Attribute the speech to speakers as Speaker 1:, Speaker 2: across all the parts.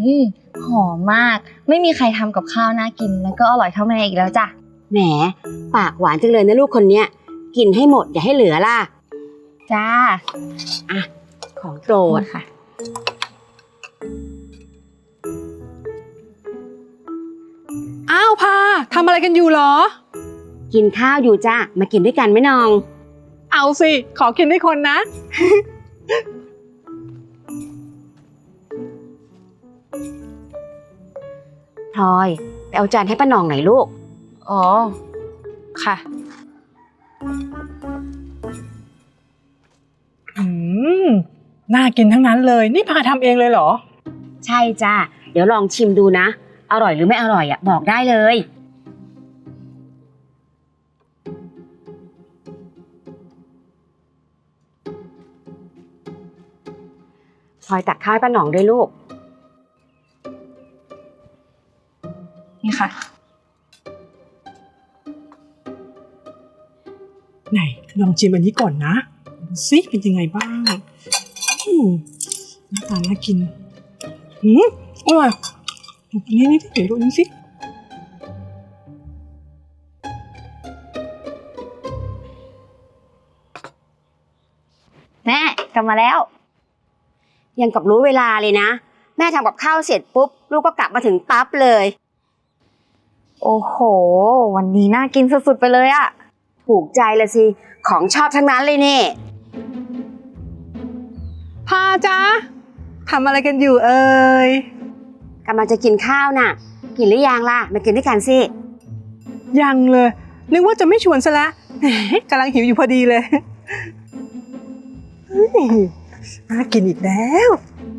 Speaker 1: หอมมากไม่มีใครทำกับข้าวน่ากินแล้วก็อร่อยเท่าแม่อีกแล้วจ้ะ
Speaker 2: แหมปากหวานจังเลยนะลูกคนเนี้ยกินให้หมดอย่าให้เหลือล่ะ
Speaker 1: จ้า
Speaker 2: อ่ะของโปรด
Speaker 1: ค่ะ
Speaker 3: อ้าวพาทำอะไรกันอยู่หรอ
Speaker 2: กินข้าวอยู่จ้ามากินด้วยกันไหมน้อง
Speaker 3: เอาสิขอกินด้วยคนนะ
Speaker 2: พลอยไปเอาจานให้ป้าหน่องหน่อยลูก
Speaker 1: อ๋อค่ะ
Speaker 3: น่ากินทั้งนั้นเลยนี่พาทำเองเลยเหรอ
Speaker 2: ใช่จ้าเดี๋ยวลองชิมดูนะอร่อยหรือไม่อร่อยบอกได้เลยพลอยตักข้าวให้ป้าหน่องด้วยลูก
Speaker 1: นี่ค่ะ
Speaker 3: ไหนลองชิมอันนี้ก่อนนะดูสิเป็นยังไงบ้างหน้าตาน่ากินอร่อยนี่เดี๋ยวดูนี่สิ
Speaker 1: แม่กลับมาแล้ว
Speaker 2: ยังกับรู้เวลาเลยนะแม่ทำกับข้าวเสร็จปุ๊บลูกก็กลับมาถึงปั๊บเลย
Speaker 1: โอ้โหวันนี้น่ากินสุดๆไปเลยอะ
Speaker 2: ถูกใจละสิของชอบทั้งนั้นเลยเนี่ย
Speaker 3: พาจ๊ะทำอะไรกันอยู่เอ่ย
Speaker 2: กำลังจะกินข้าวน่ะกินหรือยังล่ะมากินด้วยกันสิ
Speaker 3: ยังเลยนึกว่าจะไม่ชวนซะแล้วกำลังหิวอยู่พอดีเลยน่ากินอีกแล้ว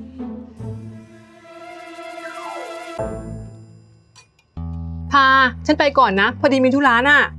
Speaker 3: พาฉันไปก่อนนะพอดีมีธุระน่ะ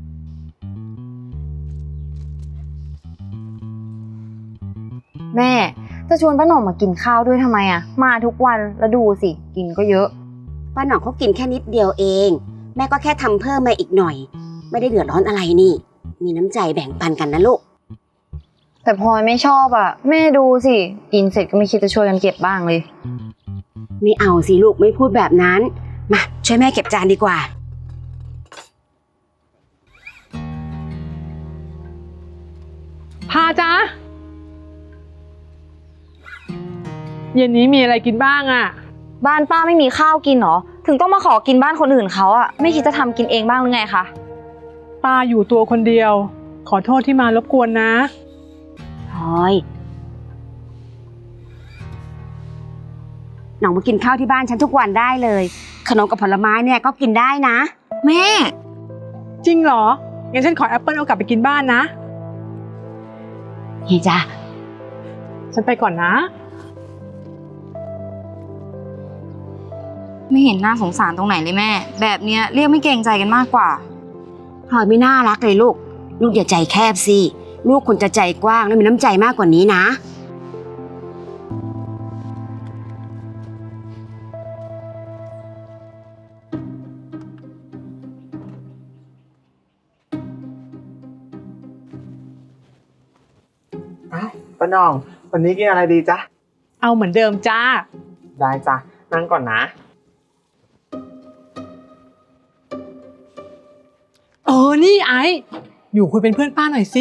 Speaker 1: แม่จะชวนป้าหน่องมากินข้าวด้วยทำไมอะมาทุกวันแล้วดูสิกินก็เยอะ
Speaker 2: ป้าหน่องเขากินแค่นิดเดียวเองแม่ก็แค่ทำเพิ่มมาอีกหน่อยไม่ได้เดือดร้อนอะไรนี่มีน้ำใจแบ่งปันกันนะลูก
Speaker 1: แต่พลอยไม่ชอบอะแม่ดูสิกินเสร็จก็ไม่คิดจะช่วยกันเก็บบ้างเลย
Speaker 2: ไม่เอาสิลูกไม่พูดแบบนั้นมาช่วยแม่เก็บจานดีกว่า
Speaker 3: พาจ๊ะเย็นนี้มีอะไรกินบ้างอะ
Speaker 1: บ้านป้าไม่มีข้าวกินหรอถึงต้องมาขอกินบ้านคนอื่นเขาอะไม่คิดจะทำกินเองบ้างหรือไงคะ
Speaker 3: ป้าอยู่ตัวคนเดียวขอโทษที่มารบกวนนะ
Speaker 2: พลอยหน่องมากินข้าวที่บ้านฉันทุกวันได้เลยขนมกับผลไม้เนี่ยก็กินได้นะ
Speaker 1: แม่
Speaker 3: จริงเหรองั้นฉันขอแอปเปิ้ลเอากลับไปกินบ้านนะ
Speaker 2: เฮ้ยจ้ะ
Speaker 3: ฉันไปก่อนนะ
Speaker 1: ไม่เห็นน่าสงสารตรงไหนเลยแม่แบบเนี้ยเรียกไม่เกรงใจกันมากกว่า
Speaker 2: พลอยไม่น่ารักเลยลูกอย่าใจแคบสิลูกควรจะใจกว้างและมีน้ำใจมากกว่านี้นะ
Speaker 4: ป้าน้องวันนี้กินอะไรดีจ๊ะ
Speaker 3: เอาเหมือนเดิมจ้า
Speaker 4: ได้จ้ะนั่งก่อนนะ
Speaker 3: นี่ไออยู่คุยเป็นเพื่อนป้าหน่อยสิ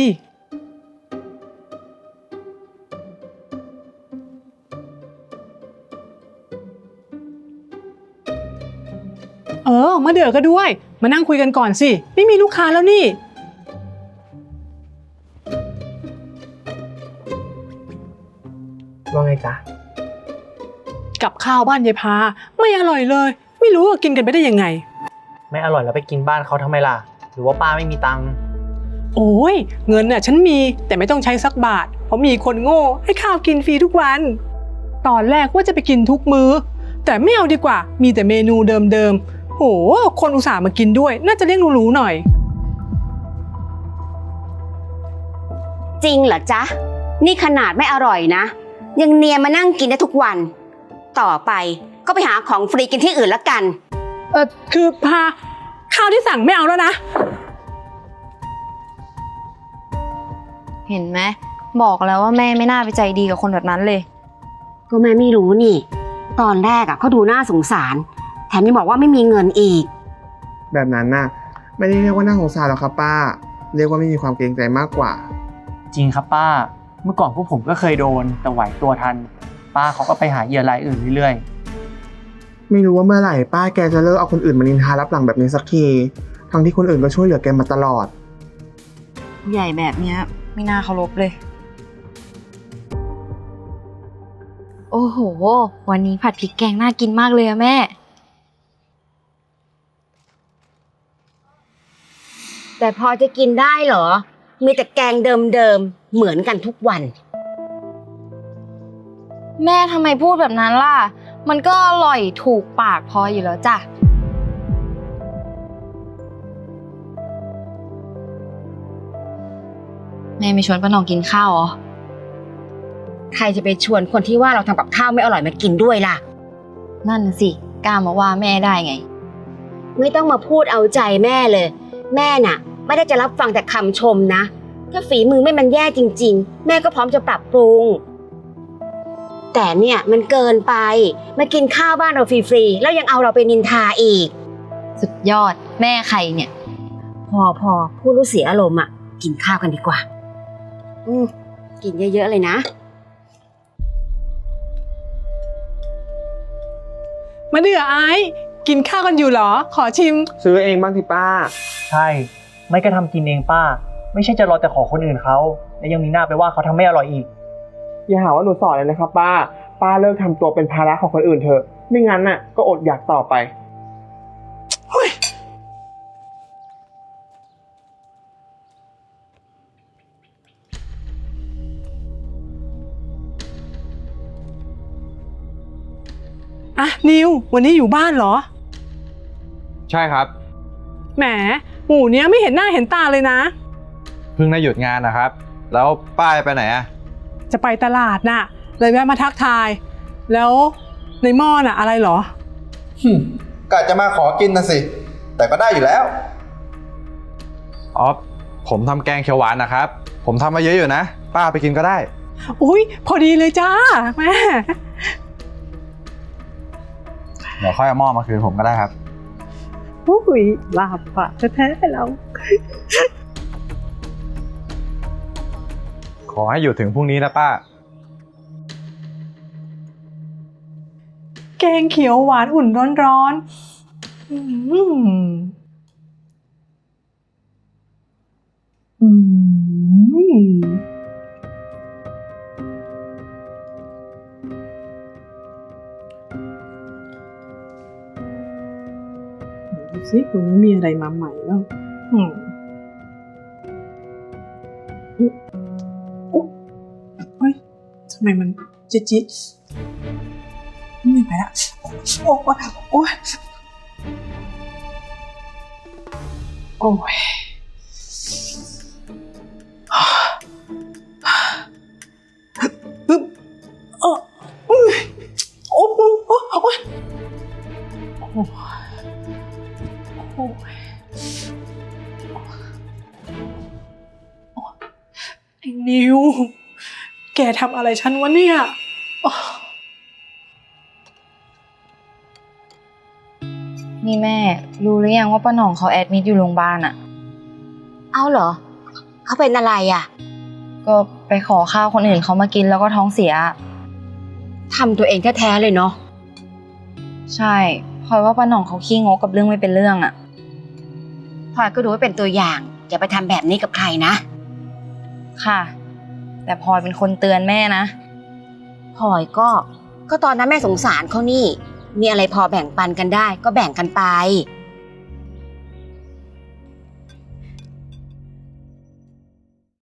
Speaker 3: มาเดือก็ด้วยมานั่งคุยกันก่อนสิไม่มีลูกค้าแล้วนี่
Speaker 4: ว่าไงจ๊ะ
Speaker 3: กับข้าวบ้านยายพาไม่อร่อยเลยไม่รู้ว่ากินกันไปได้ยังไง
Speaker 4: ไม่อร่อยแล้วไปกินบ้านเขาทำไมล่ะหรือว่าป้าไม่มีตังค์
Speaker 3: โอ้ยเงินน่ะฉันมีแต่ไม่ต้องใช้สักบาทเพราะมีคนโง่ให้ข้าวกินฟรีทุกวันตอนแรกว่าจะไปกินทุกมื้อแต่ไม่เอาดีกว่ามีแต่เมนูเดิมๆโหคนอุตส่าห์มากินด้วยน่าจะเลี้ยงหรูๆหน่อย
Speaker 2: จริงเหรอจ๊ะนี่ขนาดไม่อร่อยนะยังเนียนมานั่งกินได้ทุกวันต่อไปก็ไปหาของฟรีกินที่อื่นละกัน
Speaker 3: คือพาข้าวที่สั่งไม่เอาแล้วนะ
Speaker 1: เห็นไหมบอกแล้วว่าแม่ไม่น่าไปใจดีกับคนแบบนั้นเลย
Speaker 2: ก็แม่ไม่รู้นี่ตอนแรกเขาดูน่าสงสารแถมยังบอกว่าไม่มีเงินอีก
Speaker 5: แบบนั้นน่ะไม่ได้เรียกว่าน่าสงสารหรอกครับป้า เรียกว่าไม่มีความเกรงใจมากกว่า
Speaker 4: จริงครับป้า เมื่อก่อนพวกผมก็เคยโดนแต่ไหวตัวทัน ป้าเขาก็ไปหาเหยื่อรายอื่นเรื่อย
Speaker 5: ไม่รู้ว่าเมื่อไหร่ป้าแกจะเลิกเอาคนอื่นมานินทารับหลังแบบนี้สักที ทั้งที่คนอื่นก็ช่วยเหลือแกมาตลอด
Speaker 1: ผู้ใหญ่แบบเนี้ยไม่น่าเคารพเลย โอ้โห วันนี้ผัดพริกแกงน่ากินมากเลยอะแม่
Speaker 2: แต่พอจะกินได้เหรอ มีแต่แกงเดิมๆเหมือนกันทุกวัน
Speaker 1: แม่ทำไมพูดแบบนั้นล่ะ มันก็อร่อยถูกปากพออยู่แล้วจ้ะ แม่ไม่ชวนป้าหน่องกินข้าวเหรอ
Speaker 2: ใครจะไปชวนคนที่ว่าเราทำกับข้าวไม่อร่อยมากินด้วยล่ะ
Speaker 1: นั่นน่ะสิกล้ามาว่าแม่ได้ไง
Speaker 2: ไม่ต้องมาพูดเอาใจแม่เลย แม่น่ะ ไม่ได้จะรับฟังแต่คำชมนะ ถ้าฝีมือไม่มันแย่จริงๆ แม่ก็พร้อมจะปรับปรุง แต่เนี่ยมันเกินไปมากินข้าวบ้านเราฟรีๆแล้วยังเอาเราไปนินทาอีก
Speaker 1: สุดยอดแม่ใครเนี่ย
Speaker 2: พอพูดรู้เสียอารมณ์กินข้าวกันดีกว่า กินเยอะๆเลยนะ
Speaker 3: มาเดือไอ้กินข้าวกันอยู่เหรอ ขอชิม
Speaker 5: ซื้อเองบ้างที่ป้า
Speaker 4: ๆ ใช่ ไม่ก็ทำกินเองป้า ไม่ใช่จะรอแต่ขอคนอื่นเขาและยังมีหน้าไปว่าเขาทำไม่อร่อยอีก
Speaker 5: อย่าหาว่าหนูสอนเลยนะครับป้า ป้าเลิกทำตัวเป็นภาระของคนอื่นเถอะ ไม่งั้นน่ะก็อดอยากต่อไป
Speaker 3: อ่ะนิววันนี้อยู่บ้านเหรอ
Speaker 6: ใช่ครับ
Speaker 3: แหมหมู่เนี้ยไม่เห็นหน้าเห็นตาเลยนะ
Speaker 6: เพิ่งได้หยุดงานนะครับ แล้วป้าไปไหนอะ
Speaker 3: จะไปตลาดน่ะ เลยแวะมาทักทาย แล้วในหม้อน่ะอะไรเหรอ
Speaker 6: กะจะมาขอกินนะสิ แต่ก็ได้อยู่แล้วอ๋อผมทำแกงเขียวหวานนะครับ ผมทำมาเยอะอยู่นะ ป้าไปกินก็ได้
Speaker 3: อุ้ยพอดีเลยจ้าแม่
Speaker 6: เดี๋ยวค่อยเอาหม้อมาคืนผมก็ได้ครับ
Speaker 3: อุ้ยลาบปะแท้ๆเรา
Speaker 6: ขอให้อยู่ถึงพรุ่งนี้นะป้า
Speaker 3: แกงเขียวหวานอุ่นร้อนๆดูสิวันนี้มีอะไรมาใหม่บ้างเฮ้ยทำไมมันจิ๊ดไม่ไปละโอ้ยโอ้ยโอ้ยปึ๊บโอ้ยโอ้ยโอ้ยโอ้ยโอ้ยไอ้นิวแกทำอะไรฉันวะเนี่ย
Speaker 1: นี่แม่รู้หรือยังว่าป้าหน่องเขาแอดมิดอยู่โรงพยาบาลอะ
Speaker 2: เอาเหรอ เขาเป็นอะไร
Speaker 1: ก็ไปขอข้าวคนอื่นเขามากินแล้วก็ท้องเสีย
Speaker 2: ทำตัวเองแท้ๆเลยเนาะ
Speaker 1: ใช่พลอยว่าป้าหน่องเขาขี้งกกับเรื่องไม่เป็นเรื่องอะ
Speaker 2: พลอยก็ดูไว้เป็นตัวอย่างอย่าไปทำแบบนี้กับใครนะ
Speaker 1: ค่ะ แต่พลอยเป็นคนเตือนแม่นะ
Speaker 2: พลอยก็ตอนนั้นแม่สงสารเขานี่ มีอะไรพอแบ่งปันกันได้ก็แบ่งกันไป